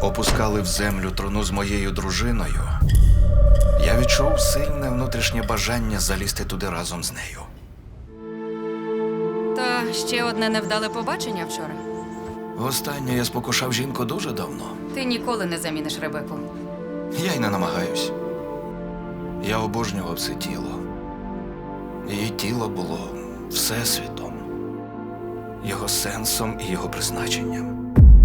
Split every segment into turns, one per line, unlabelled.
опускали в землю труну з моєю дружиною, я відчув сильне внутрішнє бажання залізти туди разом з нею.
Та ще одне невдале побачення вчора.
Востаннє я спокушав жінку дуже давно.
Ти ніколи не заміниш Ребеку.
Я й не намагаюсь. Я обожнював це тіло. Її тіло було всесвітом, його сенсом і його призначенням.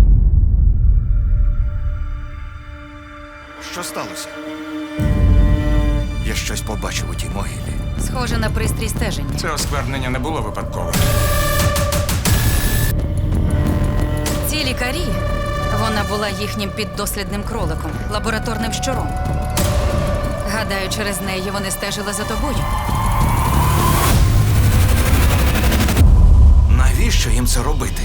Що сталося? Я щось побачив у тій могилі.
Схоже на пристрій стеження.
Це осквернення не було випадковим.
Ці лікарі, вона була їхнім піддослідним кроликом, лабораторним щуром. Гадаю, через неї вони стежили за тобою.
Навіщо їм це робити?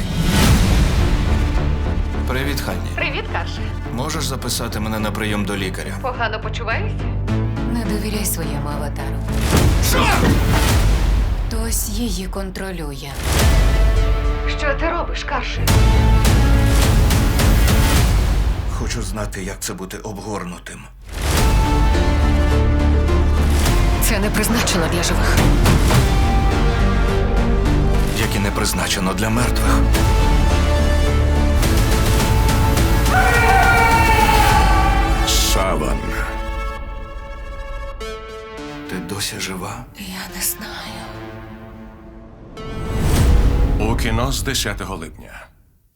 Привіт, Ханні.
Привіт, Карше.
Можеш записати мене на прийом до лікаря?
Погано почуваєшся?
Не довіряй своєму аватару. Хтось її контролює.
Що ти робиш, Карше?
Хочу знати, як це бути обгорнутим.
Це не призначено для живих.
Як і не призначено для мертвих.
Саван.
Ти досі жива?
Я не знаю.
У кіно з 10 липня.